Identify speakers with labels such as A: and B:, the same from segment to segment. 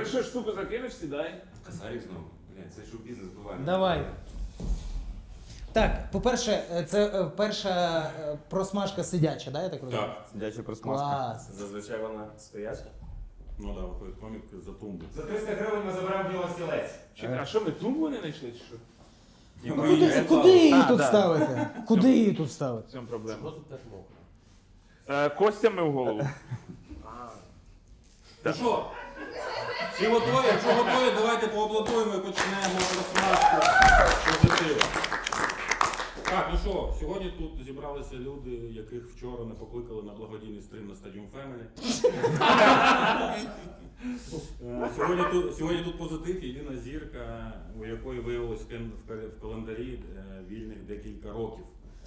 A: першу штуку закинеш, сідай.
B: Косарик знову. Блядь, це шоу-бізнес буває.
C: Давай. Так, по-перше, це перша просмажка сидяча, да, я так розумію?
B: Так.
D: Сидяча просмажка.
C: Клас.
D: Зазвичай вона стояча.
B: Ну так, виходить комік за тумбу.
E: За 300 гривень ми заберемо діло стілець.
A: А що, ми тумбу не знайшли, чи що?
C: Куди її тут ставити? Куди її тут ставити?
A: В цьому проблема. Що тут так мокро? Костями в голову.
B: Ну що? Всі готові? Якщо готові, давайте поаплодуємо і почнемо розсмажку позитиву. Так, ну що, сьогодні тут зібралися люди, яких вчора не покликали на благодійний стрім на Stadium Family. Сьогодні тут позитив, єдина зірка, у якої виявилось в календарі вільних декілька років.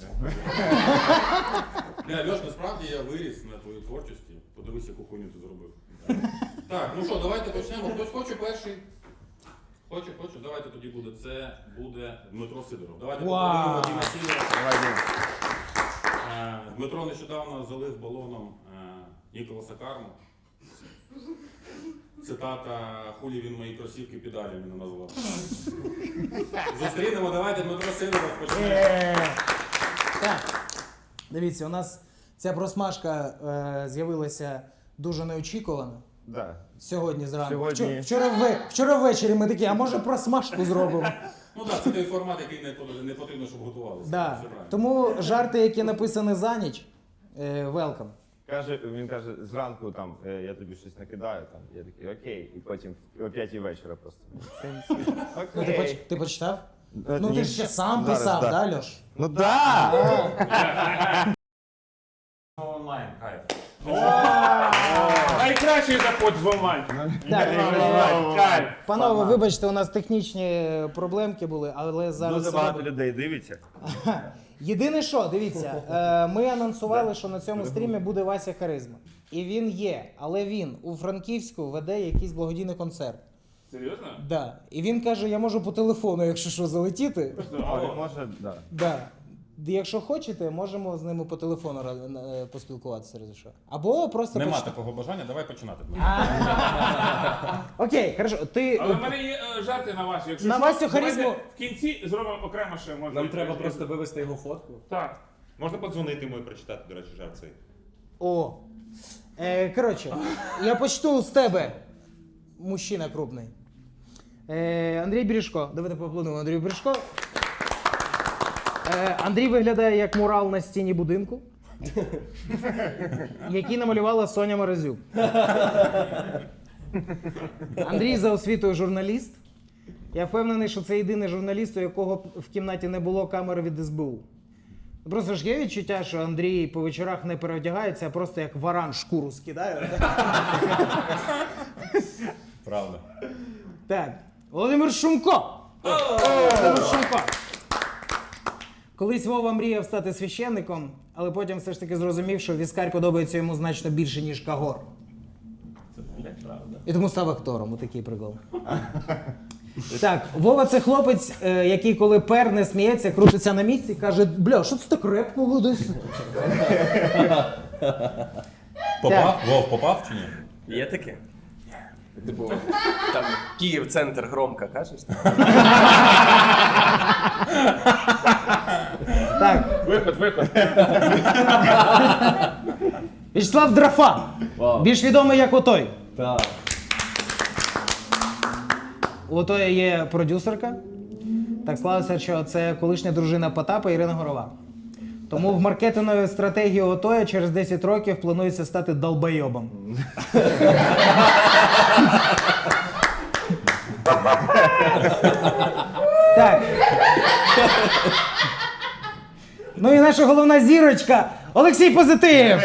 B: Льош, насправді я виріс на твоїй творчості. Подивись, яку хуйню ти зробив. Так, ну що, давайте почнемо. Хтось хоче перший? Хочу, давайте тоді буде. Це буде Дмитро Сидоров. Давайте поговоримо Діма Сидорова. Дмитро нещодавно залив балоном Ніколаса Карму. Цитата «Хулі він мої кросівки педалями не назвав». Зустрінемо, давайте Дмитро Сидоров почне.
C: Так, дивіться, у нас ця просмажка з'явилася дуже неочікувано.
D: Да.
C: Сьогодні зранку.
D: Сьогодні-
C: Вчора ввечері ми такі, а може просмажку зробимо?
B: Ну так, це той формат, який не потрібно, щоб готувалися.
C: Да.
B: Все правильно.
C: Тому жарти, які написані за ніч, welcome.
D: Він каже, зранку там, я тобі щось накидаю, там, я такий, окей, і потім о 5 вечора просто.
C: Ну, ти почитав? Ну
D: Ні.
C: ти ж ще сам
D: Зараз,
C: писав,
D: да.
C: да, Льош?
D: Ну да!
B: Онлайн, кайф.
A: Найкращий заход в онлайн.
C: Так, панове, вибачте, у нас технічні проблемки були, але зараз...
D: Дуже
C: все
D: багато
C: добре.
D: людей дивиться.
C: Єдине що, дивіться, ми анонсували, що на цьому стрімі буде Вася Харизма. І він є, але він у Франківську веде якийсь благодійний концерт.
A: Серйозно?
C: Да. І він каже, я можу по телефону, якщо що, залетіти.
D: А він може, да.
C: Да. Якщо хочете, можемо з ними по телефону поспілкуватися, разі що. Або просто
B: Нема такого бажання, давай починати.
C: Окей, хорошо. Ти...
A: Але в мене є жарти на вас. Якщо
C: На
A: що,
C: Васю
A: давайте
C: Харизму-
A: в кінці зробимо окремо ще. Може,
E: Нам треба просто вивести його фотку.
A: Так.
B: Можна подзвонити йому і прочитати, до речі, жарт цей?
C: О. Коротше, я почну з тебе, мужчина крупний. Андрій Бережко. Давайте поаплодуємо Андрію Бережко. Андрій виглядає як мурал на стіні будинку, який намалювала Соня Морозюк. Андрій за освітою журналіст. Я впевнений, що це єдиний журналіст, у якого в кімнаті не було камери від СБУ. Просто ж є відчуття, що Андрій по вечорах не переодягається, а просто як варан шкуру скидає.
B: Правда.
C: Так, Володимир Шумко. Володимир Шумко. Колись Вова мріяв стати священником, але потім все ж таки зрозумів, що віскар подобається йому значно більше, ніж Кагор.
B: Це правда.
C: І тому став актором, отакий прикол. Так, Вова це хлопець, який коли перне сміється, крутиться на місці і каже, бля, що це так репко десь?
B: Попав? Вов, попав чи ні?
E: Є таке? Типу, там Київ-центр громко кажеш?
C: Так,
A: Виход.
C: Вячеслав Драфа, більш відомий як Отой.
E: Так.
C: У Отої є продюсерка. Так склалося, що це колишня дружина Потапа Ірина Горова. Тому в маркетинговій стратегії Отоя через 10 років планується стати долбойобом. Так. Ну і наша головна зірочка Олексій Позитив.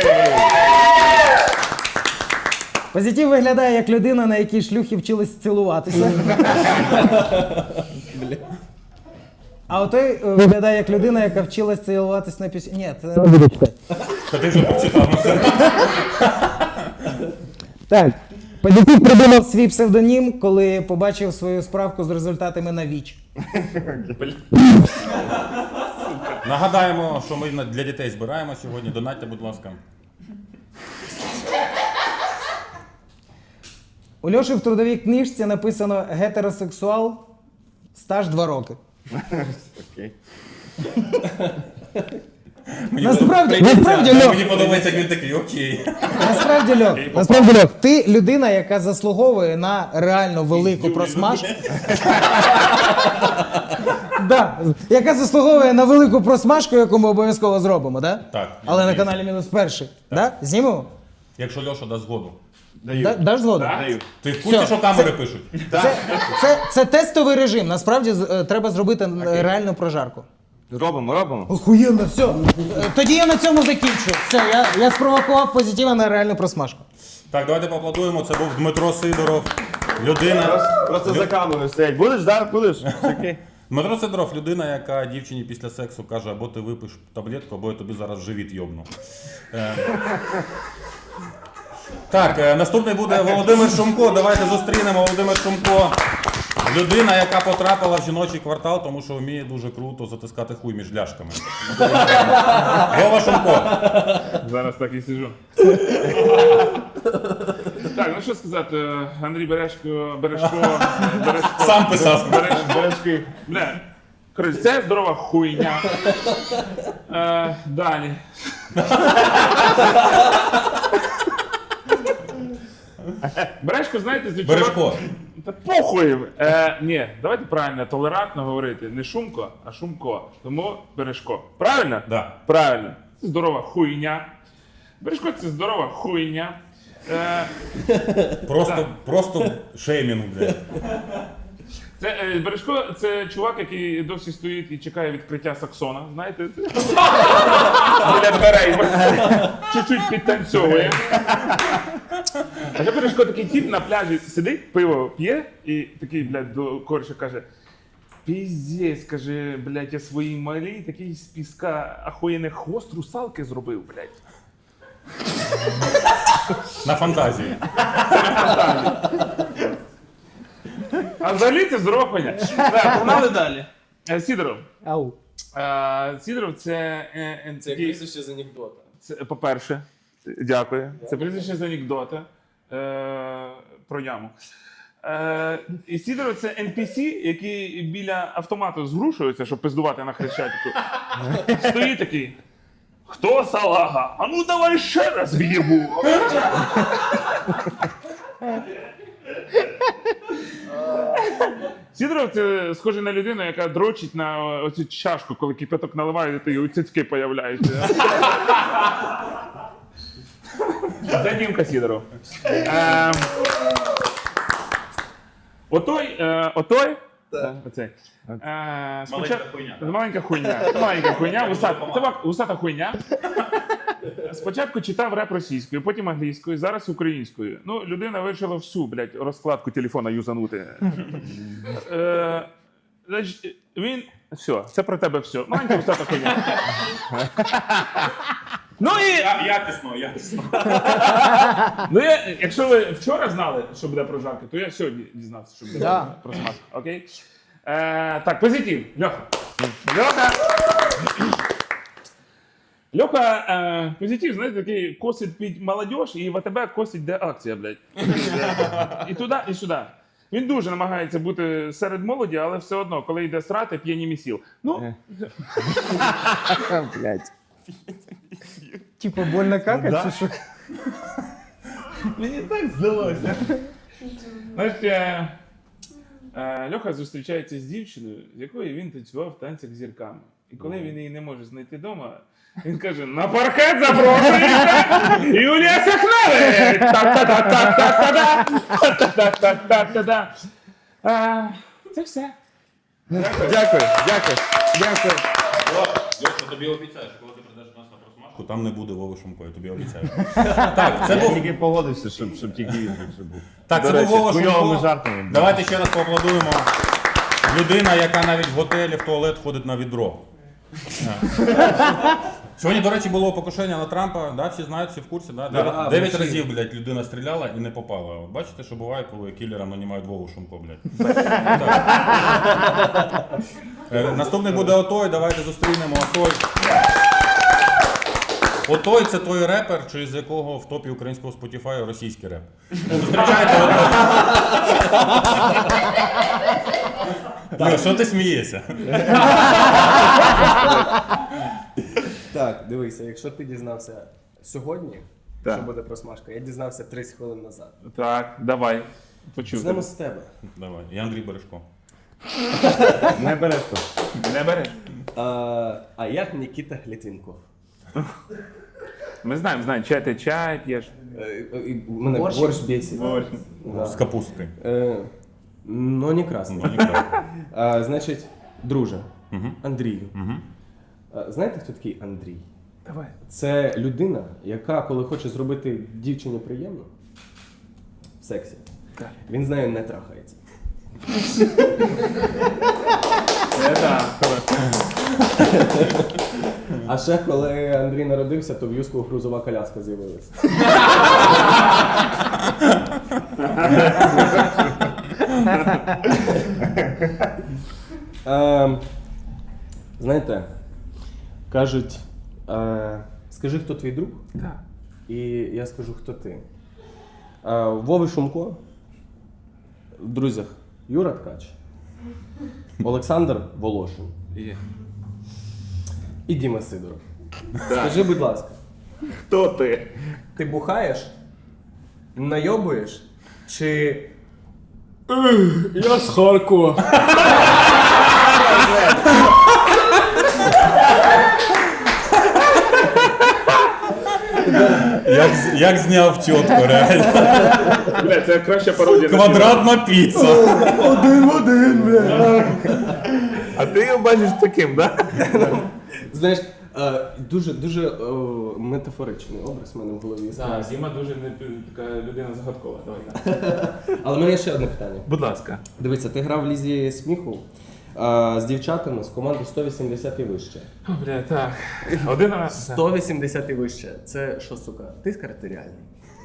C: Позитив виглядає як людина, на якій шлюхи вчились цілуватися. А отой виглядає як людина, яка вчилась цілуватись на пісні. Ні, це не буде читати.
B: Та ти вже прочитав, ну все.
C: Так. Позитив придумав свій псевдонім, коли побачив свою справку з результатами на ВІЧ.
B: Нагадаємо, що ми для дітей збираємо сьогодні. Донатьте, будь ласка.
C: У Льоші в трудовій книжці написано гетеросексуал, стаж 2 роки.
D: Окей.
C: Насправді, Льох,
B: Мені подобається, як він такий, окей.
C: насправді, Льох, ти людина, яка заслуговує на реально велику просмажку. Да, яка заслуговує на велику просмажку, яку ми обов'язково зробимо, да?
B: Так.
C: Але на каналі мінус перший. Да? Знімемо?
B: Якщо Льоша дасть згоду.
C: Даш згоду?
D: Даю.
B: Ти в курсі,
C: Все.
B: що камери пишуть?
C: Це тестовий режим. Насправді треба зробити реальну прожарку.
D: Робимо.
C: Охуєнно, все. Тоді я на цьому закінчу. Все, я спровокував позитива на реальну просмажку.
B: Так, давайте поаплодуємо. Це був Дмитро Сидоров. Людина.
D: Просто за камерою стоять. Будеш, да? Будеш? Окей.
B: Дмитро Сидоров, людина, яка дівчині після сексу каже, або ти випиш таблетку, або я тобі зараз живіт йобну. Так, наступний буде Володимир Шумко. Давайте зустрінемо Володимир Шумко. Людина, яка потрапила в жіночий квартал, тому що вміє дуже круто затискати хуй між ляшками. Вова Шумко.
A: Зараз так і сижу. Так, ну що сказати, Андрій Бережко.
B: Сам писав.
A: Бережки. Бля, коротше, це здорова хуйня. Далі. Бережко, знаєте, звичайно.
B: Бережко.
A: Та похуй! Ні, давайте правильно, толерантно говорити. Не Шумко, а Шумко. Тому Бережко. Правильно?
B: Да.
A: Правильно. Це здорова хуйня. Бережко це здорова хуйня.
B: Просто шеймінг, блядь.
A: Бережко це чувак, який досі стоїть і чекає відкриття саксона. Знаєте? Біля дверей. Чуть-чуть підтанцьовує. А ще Бережко такий тип на пляжі сидить, пиво п'є і такий, блядь, до кореша каже: піздець, каже, блядь, я своїй малій такий з піска ахуєнний хвост русалки зробив, блядь.
B: На фантазії.
A: А взагалі це здорова хуйня. Так, погнали далі. Сідоров.
C: Ау.
A: Сідоров це...
E: Це як прізвище з анекдота.
A: Це, по-перше, дякую. Це прізвище з анекдота про яму. І Сідоров це NPC, який біля автомату згрушується, щоб пиздувати на Хрещатику. Стоїть такий: хто салага? А ну давай ще раз в'єбу. Сідоров це схоже на людину, яка дрочить на оцю чашку, коли кипяток наливають, і у цицьки появляються. Це Дімка Сідоров. Отой, оцей. Маленька хуйня, вусата хуйня. Спочатку читав реп російською, потім англійською, зараз українською. Ну, людина вирішила всю, блядь, розкладку телефона юзанути. Значить, він... Все, це про тебе все. Маленька вусата хуйня. Ну і... Якісно. Ну, якщо ви вчора знали, що буде прожарка, то я сьогодні дізнався, що буде про смак. Окей? Так, позитив. Льоха, позитив, знаєте, такий косить під молодіж, і в АТБ косить, де акція, блядь. І туди, і сюди. Він дуже намагається бути серед молоді, але все одно, коли йде срати, п'є місіл. Ну,
D: Блядь.
C: Типа больно какать, чи що?
A: мені так здалося. Знаєте, Льоха зустрічається з дівчиною, з якою він танцював в танцях з зірками. І коли він її не може знайти вдома, він каже: на паркет запрошується Юлія Сахнович! Та-та-та-та-та-та-та! Це все.
D: Дякую.
B: Льоша, тобі обіцяю, що коли ти прийдеш до нас на просмажку, там не буде Вови Шумко, я тобі обіцяю. Так, це
D: Я
B: був...
D: тільки погодився, щоб тільки він більше був.
B: Так,
D: До
B: це був
D: речі,
B: Вова
D: з хуйовими
B: Шумко.
D: жартами.
B: Давайте ще раз поаплодуємо. Людина, яка навіть в готелі в туалет ходить на відро. Сьогодні, до речі, було покушення на Трампа, да? Всі знають, всі в курсі, да? 9 разів, блядь, людина стріляла і не попала. От бачите, що буває, коли кілерам нанімають Вову Шумко, блядь. Наступний буде Отой, давайте зустрінемо Отой. Отой це той репер, через якого в топі українського Spotify російський реп. Зустрічайте ото. Льо, що ти смієшся?
E: Так, дивися, якщо ти дізнався сьогодні,
A: Так.
E: що буде просмажка, я дізнався 30 хвилин назад.
A: Так, давай. Почув.
E: Почнемо з тебе.
B: Давай, я Андрій Бережко.
D: Не береш то.
A: Не бери.
E: А як Нікіта Глітвінков?
A: Ми знаємо, чай п'єш.
E: Мене борщ бесить. Да.
B: З капусткою.
E: Но не красний.
B: Ну, ніхто.
E: Значить, друже, Андрію. Знаєте, хто такий Андрій?
A: Давай.
E: Це людина, яка, коли хоче зробити дівчині приємно в сексі,
A: Так.
E: він з нею не трахається.
A: Це так.
E: А ще коли Андрій народився, то в Юску грузова коляска з'явилася. Знаєте, кажуть, скажи, хто твій друг,
A: Так.
E: і я скажу, хто ти. Вови Шумко, в друзях Юра Ткач, Олександр Волошин
A: Є.
E: і Діма Сидоров. Скажи, будь ласка,
A: Хто ти?
E: ти бухаєш, найобуєш, чи я з Харкова?
B: Як зняв чітко, реально.
A: Бля, це краща пародія. на
B: Квадратна піца.
A: фільм. А ти його бачиш таким, так?
E: Знаєш, дуже метафоричний образ в мене в голові.
A: Так, Діма дуже така людина загадкова. Давай.
E: Але в мене є ще одне питання.
A: Будь ласка.
E: Дивіться, ти грав в лізі сміху з дівчатами з команди 180 і вище.
A: О, бля, так. Один раз.
E: 180 і вище. Це що, сука, тиск артеріальний?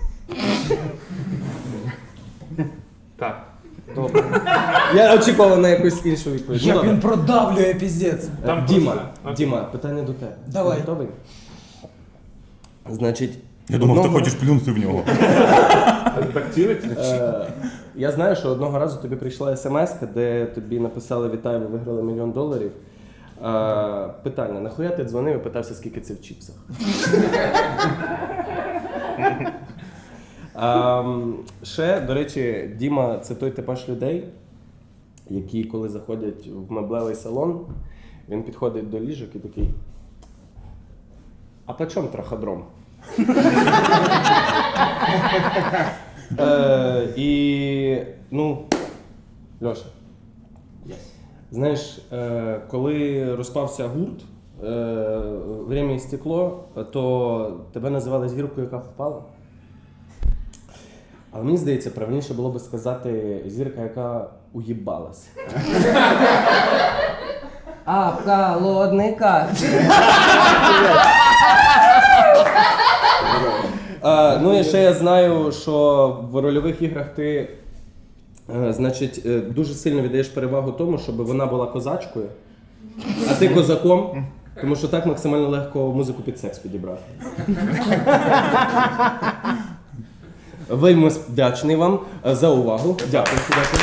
A: Так.
E: Я очікував на якусь іншу відповідь.
C: Як
E: Ну,
C: він
E: добре.
C: продавлює піздець.
A: Там
E: Діма,
A: просто-
E: Діма, питання до тебе.
C: Давай.
E: Ти готовий? Значить,
B: Я думав, ти
E: одного-
B: хочеш плюнути в нього.
A: А ти так цілиться?
E: Я знаю, що одного разу тобі прийшла смс, де тобі написали «Вітаю, ви виграли $1 мільйон». Питання, нахуя ти дзвонив і питався, скільки це в чіпсах? Ще, до речі, Діма – це той типаж людей, які, коли заходять в меблевий салон, він підходить до ліжок і такий: а по чому траходром? І, ну, Льоша, знаєш, коли розпався гурт «Время і стекло», то тебе називали зіркою, яка впала. Але мені здається, правильніше було би сказати зірка, яка уїбалась. А в холодника. Ну і ще я знаю, що в рольових іграх ти, значить, дуже сильно віддаєш перевагу тому, щоб вона була козачкою, а ти козаком, тому що так максимально легко музику під секс підібрати. Вельми вдячний вам за увагу. Дякую.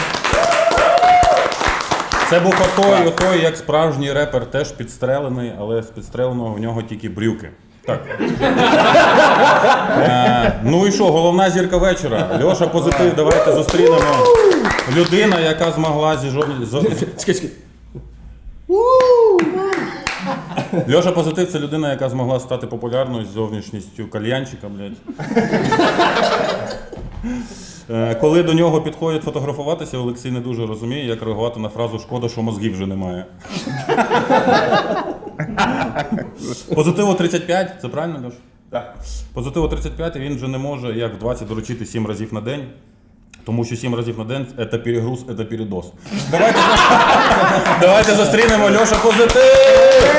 B: Це був отой, як справжній репер, теж підстрелений, але з підстреленого в нього тільки брюки. Так. Ну і що, головна зірка вечора. Льоша Позитив, давайте зустрінемо. Людина, яка змогла
E: Чекай.
B: Льоша Позитив – це людина, яка змогла стати популярною з зовнішністю кальянчика, блядь. Коли до нього підходять фотографуватися, Олексій не дуже розуміє, як реагувати на фразу «шкода, що мозгів вже немає». Позитиву 35, це правильно, Льош?
D: Так.
B: Позитиву 35, і він вже не може, як в 20, доручити 7 разів на день. Тому що 7 разів на день – це перегруз, це передоз. Давайте зустрінемо Льоша Позитив!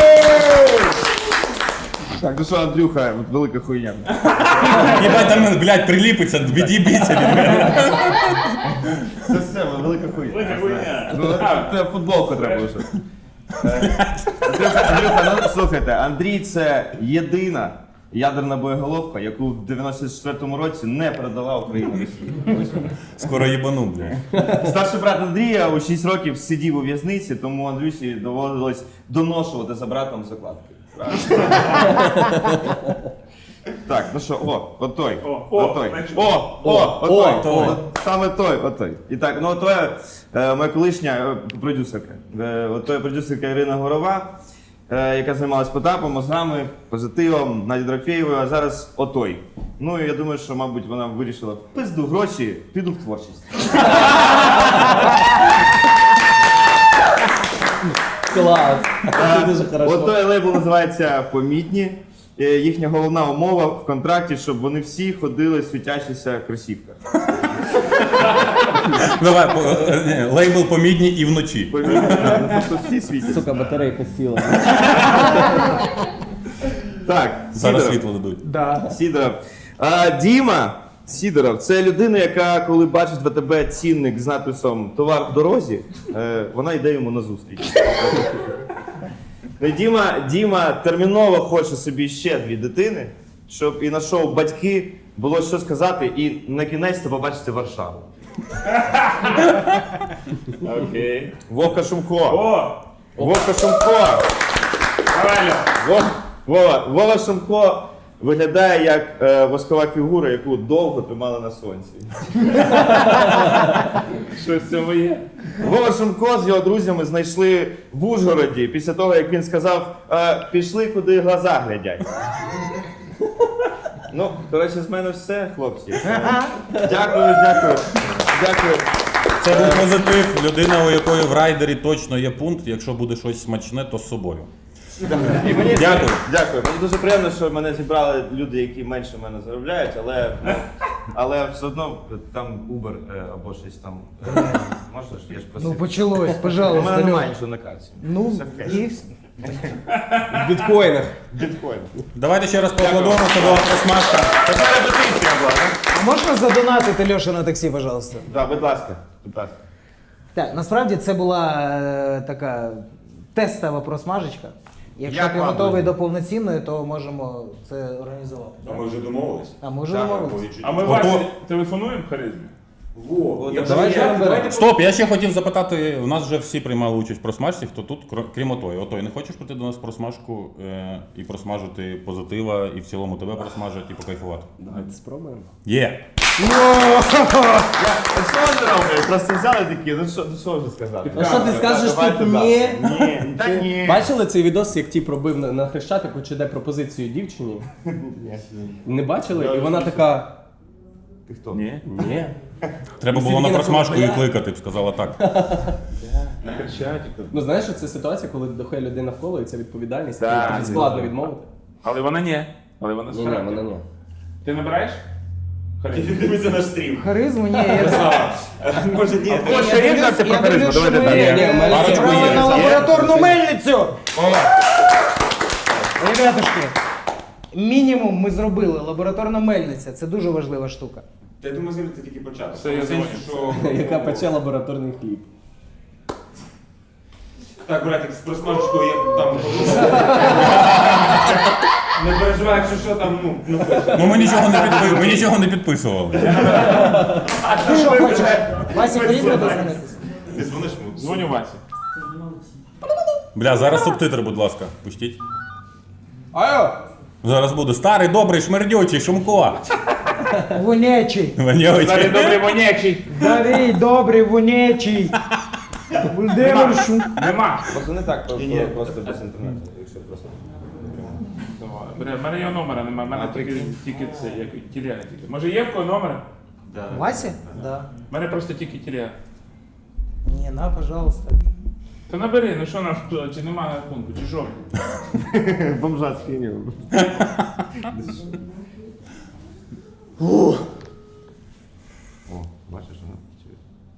D: Так, ну що, Андрюха, велика хуйня.
B: Єбать, там, блядь, приліпиться, від'їбіться від мене.
D: Це все, велика хуйня.
A: Велика хуйня.
D: Ну, це футболку треба лише. Андрюха, ну слухайте, Андрій це єдина ядерна боєголовка, яку в 94-му році не передала Україна Росії. Ось вона.
B: Скоро їбану, блядь.
D: Старший брат Андрія у 6 років сидів у в'язниці, тому Андрюсі доводилось доношувати за братом закладки. Так, ну що, отой. Отой. Отой. От саме той, отой. І так, ну отой, моя колишня продюсерка. Отой продюсерка Ірина Горова, яка займалась Потапом, мозгами, позитивом, Надя Дорофєєвою, а зараз отой. Ну і я думаю, що, мабуть, вона вирішила пизду гроші, піду в творчість.
E: Клас. Це дуже хорошо.
D: От той лейбл називається «Помітні». Їхня головна умова в контракті, щоб вони всі ходили в світящихся кросівках.
B: Давай, лейбл помідні і вночі.
D: Помітні, просто всі світяться.
E: Сука, батарейка сіла.
D: Так,
B: Зараз
D: Сідоров.
B: світло дадуть.
C: Да.
D: Сідоров. Діма Сідоров – це людина, яка, коли бачить в АТБ цінник з надписом «Товар в дорозі», вона йде йому назустріч. Діма терміново хоче собі ще 2 дитини, щоб і на шоу «Батьки» було що сказати, і на кінець побачити Варшаву.
A: Окей.
D: Вовка Шумко.
A: О!
D: Вовка Шумко.
A: Правильно.
D: Вова Шумко виглядає як воскова фігура, яку довго тримали на сонці.
A: Щось в цьому є.
D: Вова Шумко з його друзями знайшли в Ужгороді після того, як він сказав, пішли, куди глаза глядять. Ну, коротше, з мене все, хлопці. Дякую.
B: Це був позитив. Людина, у якої в райдері точно є пункт, якщо буде щось смачне, то з собою. Дякую.
D: Дякую. Мені дуже приємно, що мене зібрали люди, які менше мене заробляють, але все одно там Uber або щось там. Можеш, я ж просив.
C: Ну почалось,
D: У
C: пожалуйста,
D: мене немає
C: Льох.
D: нічого на карті.
C: Ну,
D: Все в кеші.
C: і
E: В біткоїнах.
D: Біткоін.
B: Давайте ще раз поаплодуємо, це була просмажка.
D: Така репетиція була, так?
C: А можна задонатити Льоша на таксі, пожалуйста?
D: Так, будь ласка.
C: Так, насправді це була така тестова просмажечка. Якщо
D: Як
C: ти
D: вам,
C: готовий
D: друзі?
C: до повноцінної, то можемо це організувати.
B: А ми вже домовились.
C: А ми вже
D: Так,
C: домовилися.
A: А ми Васі телефонуємо в харизмі?
E: Давай ще наберемо.
B: Стоп, я ще хотів запитати, у нас вже всі приймали участь в просмажці, хто тут, крім Отої. Отой, не хочеш прийти до нас в просмажку і просмажити позитива, і в цілому тебе просмажити і покайфувати?
E: Давайте спробуємо.
B: Є!
D: Просто взяли такі, ну що вже сказати?
E: Ну що ти скажеш
D: Давайте,
E: тут
D: да.
E: ні?
D: Ні, та ні.
E: Бачили цей відос, як ті пробив на Хрещатику, чи де пропозицію дівчині? Не бачили? І вона така.
D: Ти хто?
A: Ні.
E: Ні.
B: Треба було на просмажку і кликати, б сказала так.
A: На Хрещатику.
E: Ну знаєш, що це ситуація, коли доходить людина в коло, і це відповідальність,
D: Так,
E: і тобі складно відмовити.
A: Але вона ні. Але вона з
E: Ні,
A: характером.
E: вона ні.
A: Ти набираєш? Харизму.
D: Дивися наш стрім.
C: Харизму? Ні, я
D: Може ні.
A: О, ще є жарти про харизму?
C: що
A: Давайте
C: ми
A: так.
E: Ні, ми
B: Парочку
C: зібрали
B: є.
C: на лабораторну мельницю! Ребятушки, мінімум ми зробили. Лабораторна мельниця. Це дуже важлива штука.
F: Та я думаю, це тільки початок.
A: Все, я
F: В сенсі,
A: думаю.
F: що...
E: Яка пече лабораторний хліб.
F: Так, братик, з просмажечкою я там... Не переживай, якщо що там, ну...
B: Ну ми нічого не підписували.
C: Ти що хочеш? Васі, поїздити дозвонитись?
F: Ти дзвониш йому?
A: Дзвоню Васі.
B: Бля, зараз субтитри, будь ласка, пустіть.
E: Алло!
B: Зараз буде старий, добрий, шмердючий, Шумко.
C: Вонячий.
B: Вонючий.
A: Старий добрий вонячий.
C: Старий, добрий, вонячий. Володимир Шум.
A: Нема.
D: Просто не так, просто без інтернету, якщо просто.
A: Бля, в мене його номера немає, в мене тільки це, як телега тільки. Може є в кого номер?
C: Вася? Да.
A: В мене просто тільки телега.
C: Ні, на, пожалуйста.
A: Та набери, ну що нам, чи нема на рахунку, чи що?
D: Бомжа скинув. О, бачиш, вона працює.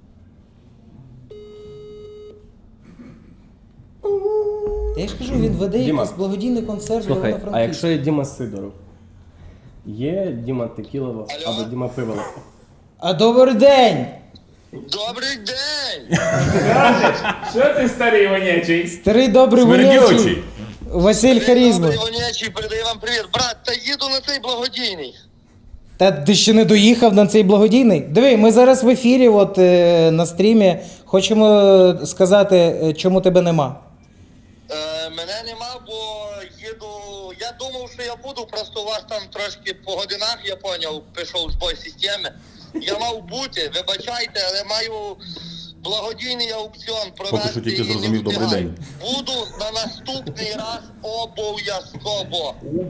C: Я ж кажу, він веде
E: Діма.
C: якийсь благодійний концерт для
E: Слухай, а
C: Івано-Франківська.
E: якщо є Діма Сидоров? Є Діма Текілова або Діма Пиволов?
C: А добрий день!
G: Добрий день!
A: Що ти старий вонячий?
C: Старий добрий вонячий.
B: Шмердючий.
C: Василь Харізма.
G: Іванячий передає вам привіт. Брат, та їду на цей благодійний.
C: Та ти ще не доїхав на цей благодійний? Диви, ми зараз в ефірі, от на стрімі. Хочемо сказати, чому тебе нема.
G: Мене нема, бо їду. Я думав, що я буду, просто у вас там трошки по годинах, я поняв, пішов збой системи. Я мав бути, вибачайте, але маю благодійний аукціон провести.
B: Поки що тільки
G: і не
B: зрозумів, добрий
G: встигаю.
B: день.
G: Буду на наступний раз обов'язково.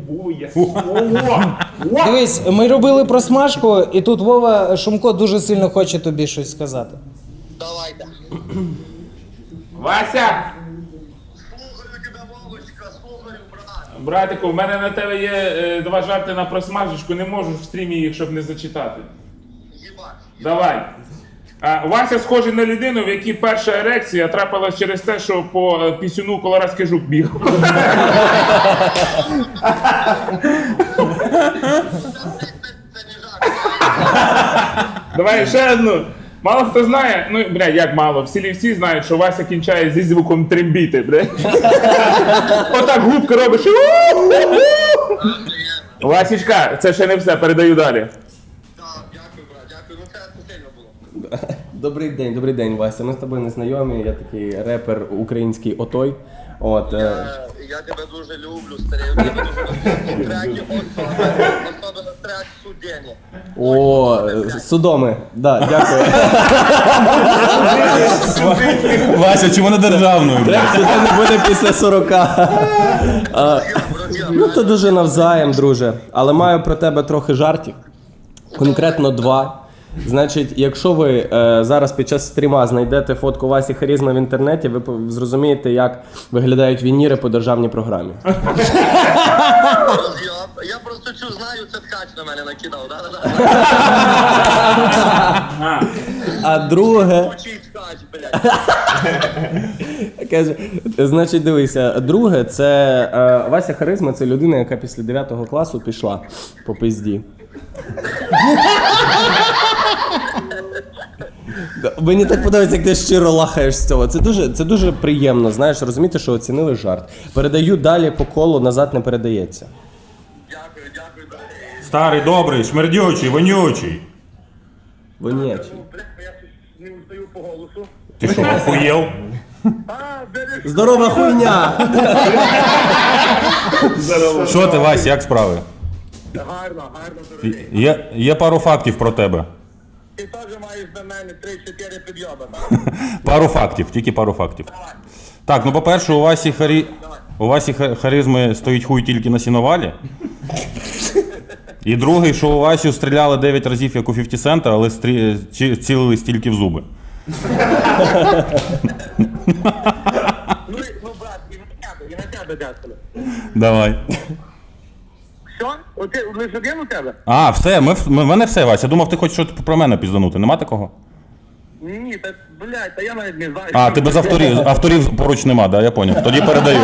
C: Дивись, ми робили просмажку, і тут Вова Шумко дуже сильно хоче тобі щось сказати.
G: Давайте.
A: Вася!
G: Слухаю тебе, Вовочка, слухаю, брат.
A: Братику, в мене на тебе є 2 жарти на просмажечку, не можу в стрімі їх, щоб не зачитати.
G: Їбать.
A: Давай. Вася схожий на людину, в якій перша ерекція трапилась через те, що по пісюну колорадський жук біг.
G: Це не жарт.
A: Давай ще одну. Мало хто знає, ну, бля, як мало, всі знають, що Вася кінчає зі звуком трембіти, бля. Отак губки робиш. Васічка, це ще не все, передаю далі.
G: Так, дякую, брат, дякую. Ну це сильно було.
E: Добрий день, Вася. Ми з тобою не знайомі. Я такий репер український Отой. От,
G: Я тебе дуже люблю, старий. У тебе дуже треки, особливо трек «Судені».
E: Судоми. Да, дякую.
B: Вася, чому не державною?
E: Трек Судоми буде після 40. Ну, то дуже навзаєм, друже. Але маю про тебе трохи жартів. Конкретно 2. Значить, якщо ви зараз під час стріма знайдете фотку Васі Харізма в інтернеті, ви зрозумієте, як виглядають вініри по державній програмі.
G: Я просто цю знаю, це ткач на мене накидав.
E: А друге...
G: Учий ткач, блядь.
E: Каже, значить, дивися, друге, це Вася Харизма, це людина, яка після 9 класу пішла по пизді. Мені так подобається, як ти щиро лахаєш з цього. Це дуже приємно, знаєш, розуміти, що оцінили жарт. Передаю далі по колу, назад не передається.
G: Дякую, брат.
B: Старий, добрий, шмердючий, вонючий.
E: Вонячий.
G: Блядь, я не устаю по голосу.
B: Ти що, охуєв?
E: Здорова хуйня!
B: Що ти, Вась, як справи?
G: Гарно, дорогий.
B: Є пару фактів про тебе.
G: Ти теж маєш на мене 3-4 підйоби, так?
B: Пару фактів, тільки пару фактів. Так, ну по-перше, у Васі Харизми стоїть хуй тільки на сіновалі. І другий, що у Васю стріляли 9 разів, як у 50 Цента, але цілились тільки в зуби.
G: Ну, брат, і на тебе дякую.
B: Давай.
G: Що? Оти лише один у тебе?
B: А, все, в мене все, Вася. Думав, ти хочеш щось про мене пізданути. Нема такого?
G: Ні, та, блядь, та я навіть не знаю.
B: А, ти без авторів. Авторів поруч нема, да, я поняв. Тоді передаю.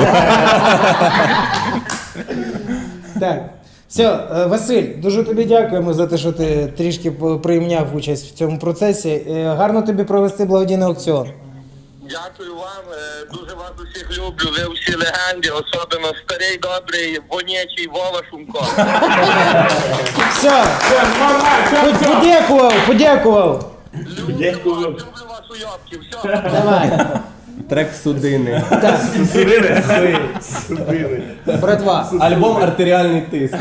C: Так. Все, Василь, дуже тобі дякуємо за те, що ти трішки прийняв участь в цьому процесі. Гарно тобі провести благодійний аукціон.
G: Дякую вам, дуже вас усіх люблю, ви всі легенди, особливо старий, добрий, вонячий Вова Шумко.
C: Все, подякував.
G: Люблю вас уйобки, все.
C: Давай.
E: Трек Судини.
C: Братва,
E: Альбом «Артеріальний тиск».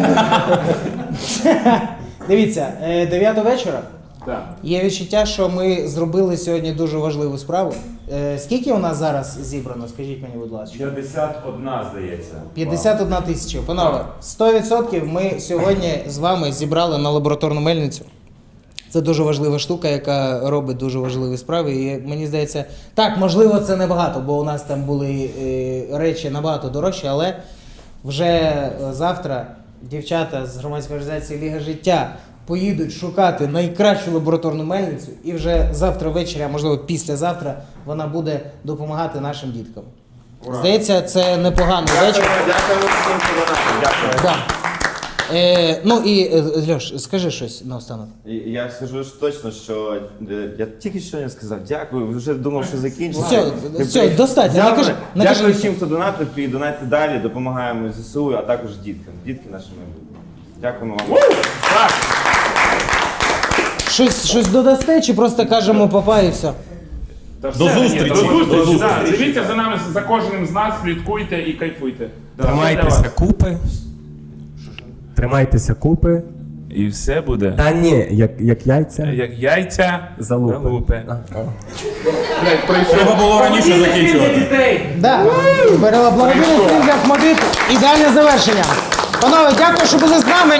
C: дивіться, 9 вечора.
A: Так.
C: Є відчуття, що ми зробили сьогодні дуже важливу справу. Скільки у нас зараз зібрано, скажіть мені, будь ласка?
F: 51, здається.
C: 51 тисяча. Панове, 100% ми сьогодні з вами зібрали на лабораторну мельницю. Це дуже важлива штука, яка робить дуже важливі справи. І мені здається, так, можливо, це небагато, бо у нас там були речі набагато дорожчі, але вже завтра дівчата з громадської організації Ліга життя поїдуть шукати найкращу лабораторну мельницю, і вже завтра ввечері, а можливо післязавтра, вона буде допомагати нашим діткам. Здається, це непоганий вечір.
F: Дякую всім, хто донатив. Дякую.
C: Да. Ну і Льош, скажи щось наостанок.
D: І я скажу ж точно, що я тільки що не сказав. Дякую, вже думав, що закінчиться.
C: Все, достатньо.
D: Дякую,
C: Накажи.
D: дякую всім, хто донатив і донатить далі, допомагаємо ЗСУ, а також діткам. Дітки наші майбутнє. Дякуємо вам.
C: Щось додасте, чи просто кажемо папа і все?
A: До
B: зустрічі.
A: До зустрічі.
D: До
A: да.
D: зустрічі.
A: Дивіться за нами, за кожним з нас, слідкуйте і кайфуйте.
H: Тримайтеся купи. Тримайтеся купи.
A: І все буде.
H: Та ні, як яйця.
A: Як яйця
H: Залупи.
B: Треба було раніше закінчувати.
C: Да. Збирала благодійний стрім для Ахмадит. Ідеальне завершення. Панове, дякую, що були з нами.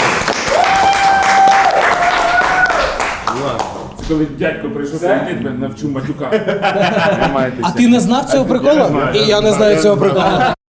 A: Це коли дядько прийшов сидіти, навчу матюка.
C: А ти не знав цього приколу? І я не знаю цього приколу.